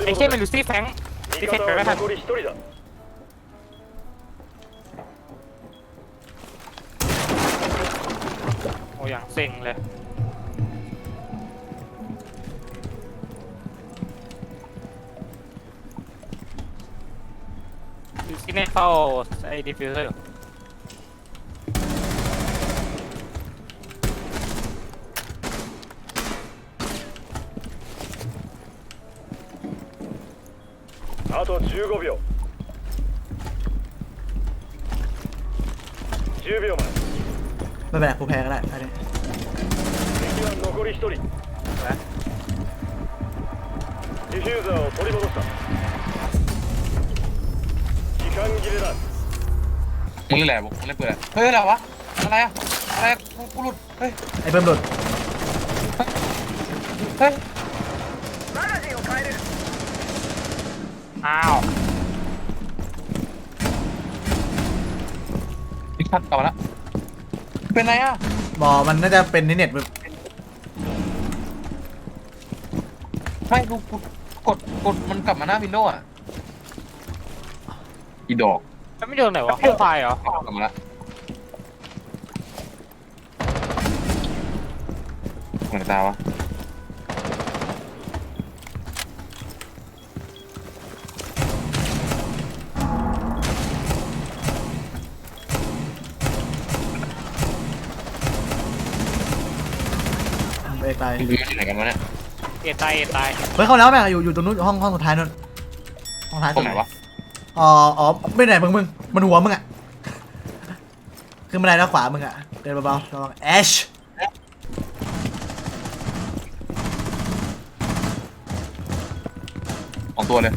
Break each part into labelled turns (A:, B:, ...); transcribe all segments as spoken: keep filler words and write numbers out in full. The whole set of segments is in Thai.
A: ไอ้เชี่ยมันลูซี่แฟงซี่แฟงไปไม่ทันโอ้อย่างเซ็งเลยลูซี่เนี่ยเข้าไอ้ดิฟฟิวเซอร์
B: あとじゅうごびょうじゅうびょう
C: ไม่เป็นไรกูแพ้ก็ได้อันนี้
B: 前敵は残りひとりディフューザーを取り戻した時間切れだ
D: มึงเล่นอะไรบุกมึงเล่นปืนอะไรเฮ้ยอะไรวะอะไรอะอะไรกูกูหลุดเฮ้ย
C: ไอ้เบิ้มหลุด
D: เฮ้ย
A: อ้าว
D: อีกชัดกลับมาแล้วเป็นไรอะ
C: บอมันน่าจะเป็นเน็ตแบบ
D: ไม่กูกูกดกดมันกลับมาหน้าวินโดว์อะอีดอก
A: มันไม่โดนไหนวะห้องไฟเหรอก
D: ลับมาแล้วเหมือนตาวะ
C: เอกตาย
D: มึงอยู่ที่ไหนกันวะเนี่ย
A: เอตายเอตาย
C: เฮ้ยเข้าแล้วแม่งอยู่อยู่ตรงนู้นห้องห้องสุดท้ายนู่นห้องท้าย
D: ตร
C: สุ
D: ง
C: ด
D: ไหนวะ
C: อ๋ออ๋อไม่ไหนมึงมึงมันหัวมึงอ่ะขึ้นมาได้แล้วขวามึงอ่ะเดินเบาๆระวังแอช
D: สองตัวเลย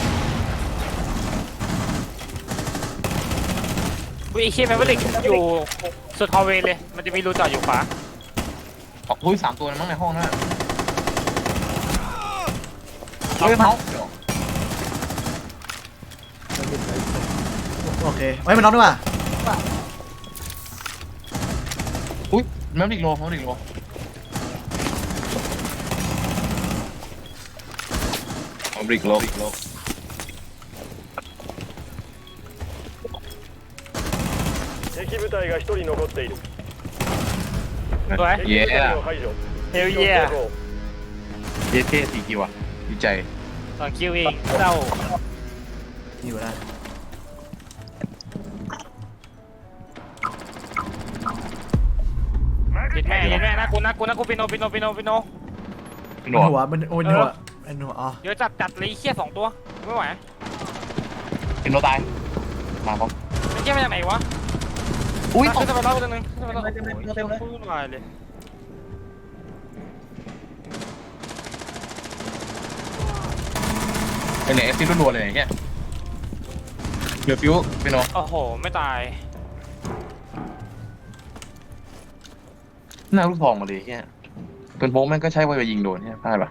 A: อุ้ยไอ้เชี่ยแมวลิกอยู่สุดฮอลเวย์เลยมันจะมีรูจอดอยู่ขวา
D: อ๋ออุ้ยสามตัวเลยมั้งในห้องนั่นอะเฮ้ยเมาส์
C: โอเคเฮ้ยมันน็อกด้วยว่ะ
D: อุ้ยแมวดิกโลแมวดิกโลแมวดิกโล
B: 敵部隊がひとり残っている
A: สวย
B: 敵部隊を排除
A: เฮล
B: 敵を
A: เยีย
B: 成功
D: เยเท่สี่กิวอะดีใจ
A: ตอนคิวเองเจ้า
C: อยู่ได้
A: ยิดแม่ยิดแม่นะกูนะกูนะกูปิโนปิโนปิโนปิโน
D: พี่ห
C: มัน
D: นวด
C: หัวมันโอ้ยหัวเป็นหัวอ๋อ
A: เดี๋ยวจัดจัดเลยไอ้เชี่ยสองตัวไม่ไหว
D: พี่หนวดตายมาพร้อม
A: ไอ้เชี่ยมาจากไหนวะ
D: อุ้ย
A: ขึ้นไปเล่าตัวนึงขึ้นไปเล่าโอ้ยเต็มพูดหน่อยเลย
D: เป็นไหนเอฟซีรัวๆเลยอย่างเงี้ยเหลือฟิวพี่หนวด
A: โอ้โหไม่ตาย
D: หน้าลูกทองมาเลยเงี้ยเป็นโป๊กแม่งก็ใช้ไว้ไปยิงโดนเนี่ยพลาดปะ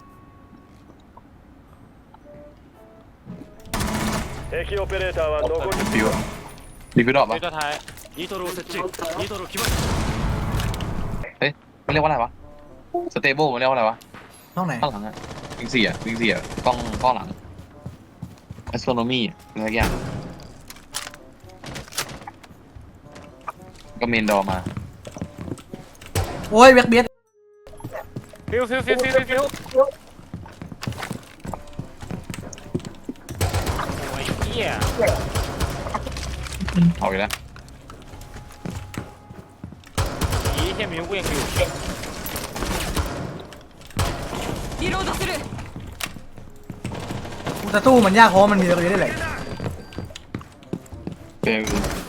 B: 敵オペレーターは残り
D: ฟิวอะดีฟิวดรอปปะ
A: วิตัวท้าย
B: ニトロを設置ニトロ決まり
D: เฮ้ยมันเรียกว่าอะไรวะสเตเบิลมันเรียกว่าอะไรวะ
C: ห้องไหน
D: ข้างหลังอะวิงเสียวิงเสียกล้องกล้องหลัง astronomy อะไรสักอย่างก็เมนดอมา
C: โอ้ยเบียดเบียด
A: ฟิวฟิวฟิวฟิวฟิวโอ้ยเหี้ย
D: เอาอีกแล้ว
A: อีเหี้ยมิวกูยังอยู่
C: กูจะสู้มันยากเพราะว่ามันมีตัวนี้ได้เลย
D: เป็น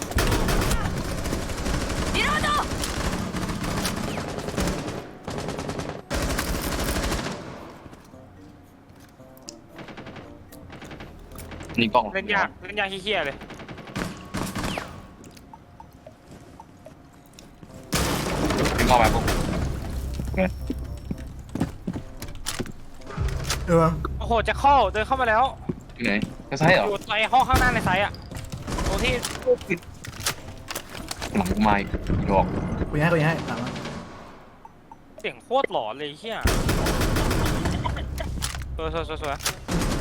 D: นี่กล้อง
A: เล่นยากเล่นยากเหี้ยๆเลย
D: เป็นกล้องแบบพวก
C: เออ
A: โอ้โหจะเข้าเดินเข้ามาแล้ว
D: ที่ไหนจะใช่เหรอ
A: อยู่ในห้องข้างหน้าในไซต์อะตรงที่
D: หลังไม้ดอก
C: กูยังให้กูยังให้ตามมา
A: เสียงโคตรหลอนเลยเหี้ยสวยสวยสวยสวย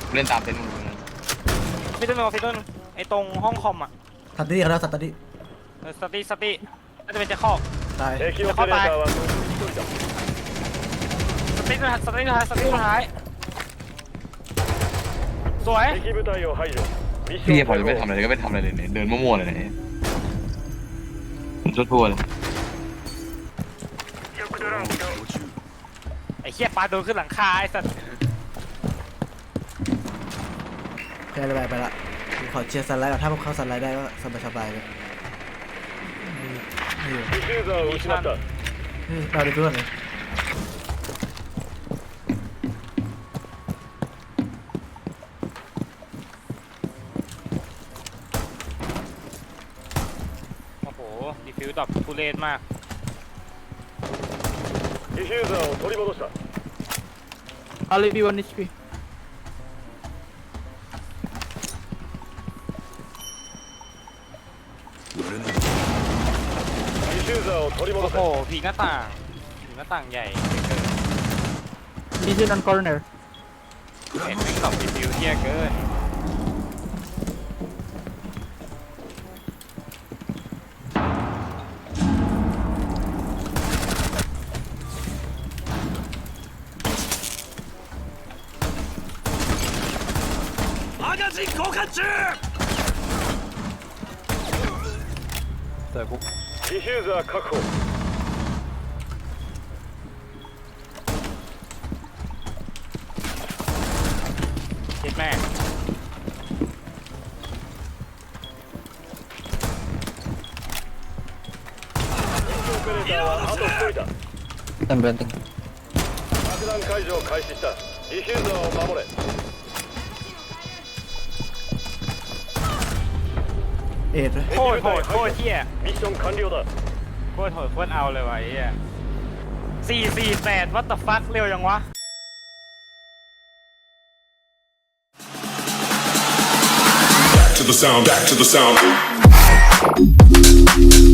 D: เล่นตามเซนมึงนะ
A: ฟิตเตอร์นฟิตเตอร์ไอตรงห้องคอมอ่ะ
C: สัตว์นี่เขาเรียกสัตว์นี่
A: เออสติสติน่าจะเป็นเจ้าข้อ
C: ตาย
B: 敵オペレーターは残りひとりだ
A: สติสติสุดท้ายสติสุดท้ายสวย
B: 敵部隊を排除ミッシ
D: พี่
B: ョン
D: พอจะ
B: 成
D: ไม่
B: 功
D: ทำอะไรเลยก็ไม่ทำอะไรเลยเนี่ยเดินมั่วๆเลยเนี่ยทั่วๆเลย
A: ไอ้เหี้ยปลาโดนขึ้นหลังคาไอ้สัตว์
C: แค่ระบายไปละขอเชียร์สันไลด์ก่อนถ้าพวกเขาสันไลด์ได้ก็สบายสบายๆเลยนี่อยู่
B: ディフューザーを失った
C: นี่เราดูเพื่อนเลย
A: โอ้โหดีฟิวตอบทุเรศมาก
B: ディフューザーを取り戻した
E: Only B one H P.
B: ディフューザーを取り
A: โอ้
B: 戻
A: โห
B: せ
A: ผีหน้าต่างผีหน้าต่างใหญ่เกิน
E: Vision on corner.
A: เห็นไม่ตอบดีฟิวเที่ยเกิน
B: ディフューザー確保
A: เจ็ดแม่
B: オペレーターはあとひとりだ
E: I'm renting.
B: 爆弾解除を開始したディフューザーを守れ
C: เอ็ดเลย
A: โคตรโหดโคตรเที่ย
B: ミッション完了だ
A: โคตรโหดโคตรเอาเลยว่ะไอ้เหี้ยสี่สี่แปดวัตถุฟัคเร็วยังวะ
F: to the sound, back to the sound.